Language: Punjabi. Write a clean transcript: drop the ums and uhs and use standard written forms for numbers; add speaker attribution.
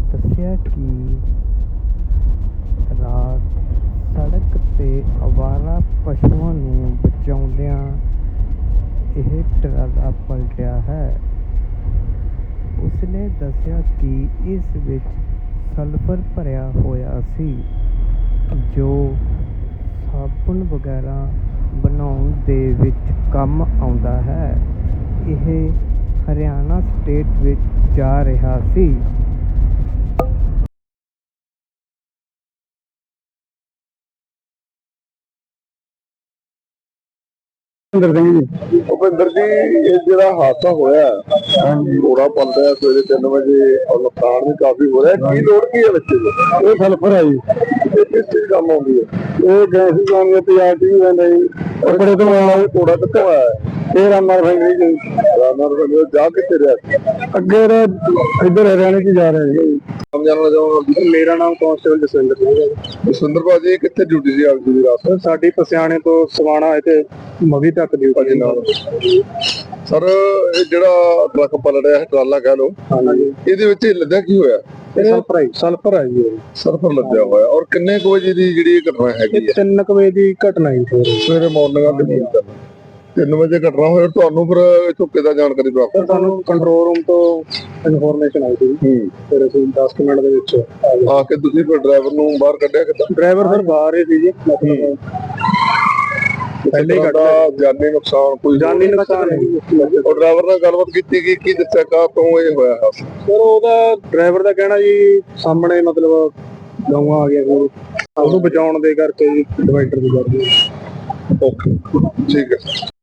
Speaker 1: ਦੱਸਿਆ ਕਿ ਰਾਤ ਸੜਕ 'ਤੇ ਅਵਾਰਾ ਪਸ਼ੂਆਂ ਨੂੰ ਬਚਾਉਂਦਿਆਂ ਇਹ ਟਰਾਲਾ ਪਲਟਿਆ ਹੈ। ਉਸਨੇ ਦੱਸਿਆ ਕਿ ਇਸ ਵਿੱਚ ਸਲਫਰ ਭਰਿਆ ਹੋਇਆ ਸੀ ਜੋ ਸਾਬਣ ਵਗੈਰਾ ਬਣਾਉਣ ਦੇ ਵਿੱਚ ਕੰਮ ਆਉਂਦਾ ਹੈ। ਇਹ ਹਰਿਆਣਾ ਸਟੇਟ ਵਿੱਚ ਜਾ ਰਿਹਾ ਸੀ।
Speaker 2: ਭੁਪਿੰਦਰ ਜੀ, ਇਹ ਜਿਹੜਾ ਹਾਦਸਾ ਹੋਇਆ ਘੋੜਾ ਪਲਟਿਆ ਸਵੇਰੇ 3 ਵਜੇ ਔਰ ਨੁਕਸਾਨ ਵੀ ਕਾਫੀ ਹੋ ਰਿਹਾ, ਕੀ ਲੋੜ ਕੀ ਹੈ ਬੱਚੇ ਦੀ? ਇਹ ਸਲਫਰ ਹੈ ਜੀ। ਇਹ ਕਿਸ ਚੀਜ਼ ਕੰਮ ਆਉਂਦੀ ਹੈ? ਇਹ ਗੈਸ ਜਾਣੀ ਹੈ ਤੇਜ਼ਾਬ ਵੀ ਰਹਿੰਦਾ ਜੀ। ਬੜੇ ਤੋਂ ਆਇਆ ਘੋੜਾ ਕਿੱਥੋਂ ਆਇਆ ਹੈ? ਇਹ ਰਾਮਨਗਰ ਫੈਕਟਰੀ ਜੀ। ਜਾ ਕਿੱਥੇ ਰਿਹਾ? ਅੱਗੇ ਇੱਧਰ ਹਰਿਆਣੇ ਚ ਜਾ ਰਿਹਾ ਜੀ।
Speaker 3: ਮੇਰਾ ਨਾਮ ਕਾਂਸਟੇਬਲ ਜਸਵਿੰਦਰ ਸਿੰਘ ਹੈ।
Speaker 2: ਜਸਵਿੰਦਰ ਭਾਜੀ, ਕਿੱਥੇ ਡਿਊਟੀ ਸੀ ਆਪ ਜੀ ਦੀ ਰਾਤ?
Speaker 3: ਸਾਡੀ ਪਸਿਆਣੇ ਤੋਂ ਸਵਾਣਾ ਤੇ ਮਵੀ ਤੱਕ ਡਿਊਟੀ ਨਾਲ।
Speaker 2: ਸਰ, ਇਹ ਜਿਹੜਾ ਟਰੱਕ ਪਲਟਿਆ ਟਰਾਲਾ ਕਹਿ ਲਓ, ਇਹਦੇ ਵਿੱਚ ਲੱਦਿਆ ਕੀ ਹੋਇਆ?
Speaker 3: ਸਲਫਰ ਹੈ ਜੀ।
Speaker 2: ਸਲਫਰ ਲੱਦਿਆ ਹੋਇਆ। ਔਰ ਕਿੰਨੇ ਕੁ ਵਜੇ ਦੀ ਜਿਹੜੀ ਘਟਨਾ ਹੈਗੀ?
Speaker 3: 3 ਵਜੇ ਦੀ ਘਟਨਾ ਹੈ
Speaker 2: ਸਵੇਰੇ ਮਾਰਨਿੰਗ 3 ਵਜੇ ਘਟਨਾ ਹੋਇਆ। ਤੁਹਾਨੂੰ ਫਿਰ ਇੱਥੋਂ ਕਿੱਦਾਂ ਜਾਣਕਾਰੀ ਪ੍ਰਾਪਤ?
Speaker 3: ਸਾਨੂੰ ਕੰਟਰੋਲ ਰੂਮ ਤੋਂ ਇਨਫੋਰਮੇਸ਼ਨ ਆਈ ਸੀ। ਫਿਰ ਅਸੀਂ 10 ਮਿੰਟ ਦੇ ਵਿੱਚ
Speaker 2: ਆ ਕੇ ਤੁਸੀਂ ਫਿਰ ਡਰਾਈਵਰ ਨੂੰ ਬਾਹਰ ਕੱਢਿਆ ਕਿੱਦਾਂ?
Speaker 3: ਡਰਾਈਵਰ ਫਿਰ ਬਾਹਰ ਹੀ ਸੀ ਜੀ।
Speaker 2: ਪਹਿਲੇ ਜਾਨੀ ਨੁਕਸਾਨ ਕੋਈ?
Speaker 3: ਜਾਨੀ ਨੁਕਸਾਨ ਹੈ।
Speaker 2: ਉਹ ਡਰਾਈਵਰ ਨਾਲ ਗੱਲਬਾਤ ਕੀਤੀ ਕਿ ਕੀ ਦੱਸਿਆ ਕਾ ਤੋਂ ਇਹ ਹੋਇਆ ਹਾਦਸਾ?
Speaker 3: ਸਰ, ਉਹਦਾ ਡਰਾਈਵਰ ਦਾ ਕਹਿਣਾ ਜੀ ਸਾਹਮਣੇ ਮਤਲਬ ਗਊਆਂ ਆ ਗਿਆ ਉਹਨੂੰ ਬਚਾਉਣ ਦੇ ਕਰਕੇ ਜੀ ਡਿਵਾਈਡਰ ਦੀ ਕਰਦੇ।
Speaker 2: ਓਕੇ, ਠੀਕ ਹੈ।